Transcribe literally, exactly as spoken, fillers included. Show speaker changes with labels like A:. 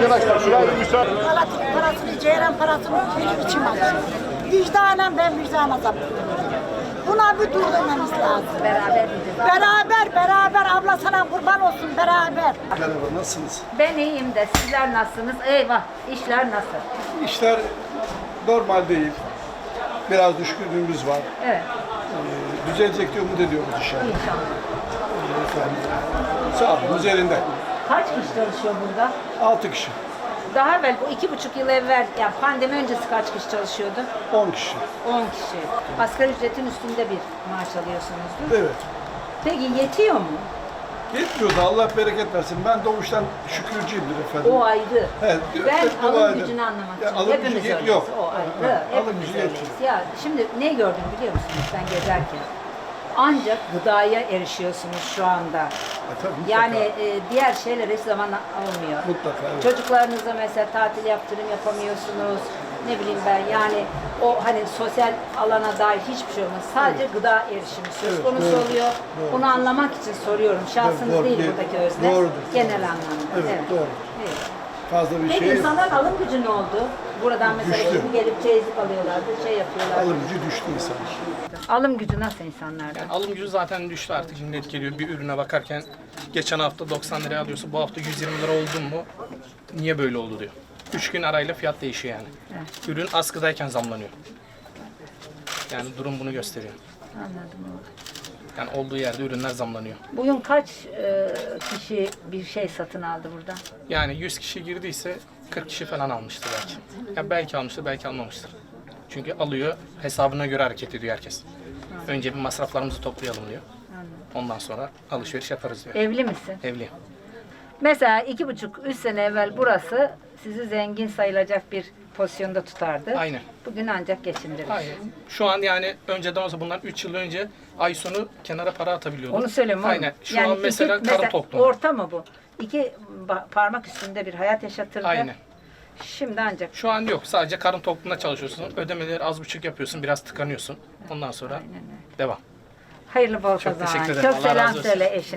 A: Arkadaşlar şuraya bir müsaade.
B: Elektrik parasını, ceyran parasını benim içim acıyor. Vicdanen ben vicdan azaplıyorum. Buna bir dur dememiz lazım.
C: Beraber
B: Beraber, beraber. Abla sana kurban olsun, beraber.
D: Merhaba, nasılsınız?
C: Ben iyiyim de sizler nasılsınız? Eyvah, işler nasıl?
D: İşler normal değil. Biraz düşkünlüğümüz var.
C: Evet,
D: Ee, düzelecek diye umut ediyoruz inşallah.
C: inşallah.
D: Ee, efendim, sağlığımız yerinde.
C: Kaç kişi çalışıyor burada?
D: Altı kişi,
C: Daha evvel, bu iki buçuk yıl evvel, yani pandemi öncesi kaç kişi çalışıyordu?
D: on kişi.
C: On kişi. Asgari ücretin üstünde bir maaş alıyorsunuzdur.
D: Evet.
C: Peki yetiyor mu?
D: Yetmiyor da Allah bereket versin. Ben doğuştan şükürcüyümdür efendim.
C: O ayrı.
D: Evet,
C: Ben
D: evet, dua
C: alım
D: edin.
C: gücünü anlamak
D: Ya,
C: için.
D: alım
C: Hepimiz
D: gücü yet-
C: öyleyiz.
D: yok.
C: O ayrı.
D: Ha, alım
C: Hepimiz
D: gücü
C: öyleyiz.
D: yetmiyor.
C: Ya şimdi ne gördüm biliyor musunuz ben gezerken? Ancak gıdaya erişiyorsunuz şu anda.
D: Ha, tabii, mutlaka.
C: Yani e, diğer şeyler hiç zaman almıyor.
D: Mutlaka, evet.
C: Çocuklarınızla mesela tatil yaptırım yapamıyorsunuz. Ne bileyim ben yani o hani sosyal alana dair hiçbir şey olmaz. Sadece gıda erişimi söz
D: Evet,
C: konusu
D: doğrudur,
C: oluyor.
D: doğrudur.
C: Bunu anlamak için soruyorum. Şahsınız
D: Doğru,
C: değil
D: değil.
C: buradaki özne.
D: Doğrudur.
C: Genel anlamda.
D: Evet, doğru.
C: Evet.
D: Fazla bir
C: Peki
D: şey
C: insanların alım gücü ne oldu? Buradan mesela
D: Düştü.
C: şimdi gelip çeyizlik alıyorlardı, şey yapıyorlardı.
D: alım gücü düştü insan.
C: Alım gücü nasıl insanlarda?
E: Yani alım gücü zaten düştü artık. Millet geliyor bir ürüne bakarken geçen hafta doksan liraya alıyorsa bu hafta yüz yirmi lira oldu mu niye böyle oldu diyor. Üç gün arayla fiyat değişiyor yani.
C: Evet.
E: Ürün askıdayken zamlanıyor. Yani durum bunu gösteriyor.
C: Anladım.
E: Yani olduğu yerde ürünler zamlanıyor.
C: Bugün kaç e, kişi bir şey satın aldı burada?
E: Yani yüz kişi girdiyse kırk kişi falan almıştır belki. Yani belki almıştır, belki almamıştır. Çünkü alıyor, hesabına göre hareket ediyor herkes. Önce bir masraflarımızı toplayalım diyor. Ondan sonra alışveriş yaparız diyor.
C: Evli misin?
E: Evli.
C: Mesela iki buçuk, üç sene evvel burası sizi zengin sayılacak bir pozisyonda tutardı.
E: Aynen.
C: Bugün ancak geçindirir.
E: Hayır. Şu an yani önceden olsa bundan üç yıl önce ay sonu kenara para atabiliyorduk.
C: Onu söylüyorum.
E: Aynen. Şu
C: Yani
E: an mesela
C: iki-
E: karın tokluğu.
C: Orta mı bu? İki ba- parmak üstünde bir hayat yaşatırdı.
E: Aynen.
C: Şimdi ancak.
E: Şu an yok. Sadece karın tokluğunda çalışıyorsun. Ödemeleri az buçuk yapıyorsun. Biraz tıkanıyorsun. Ondan sonra devam.
C: Hayırlı bol
E: Çok
C: kazanç.
E: teşekkür ederim.
C: Çok
E: Allah
C: selam
E: razı olsun.
C: söyle eşine.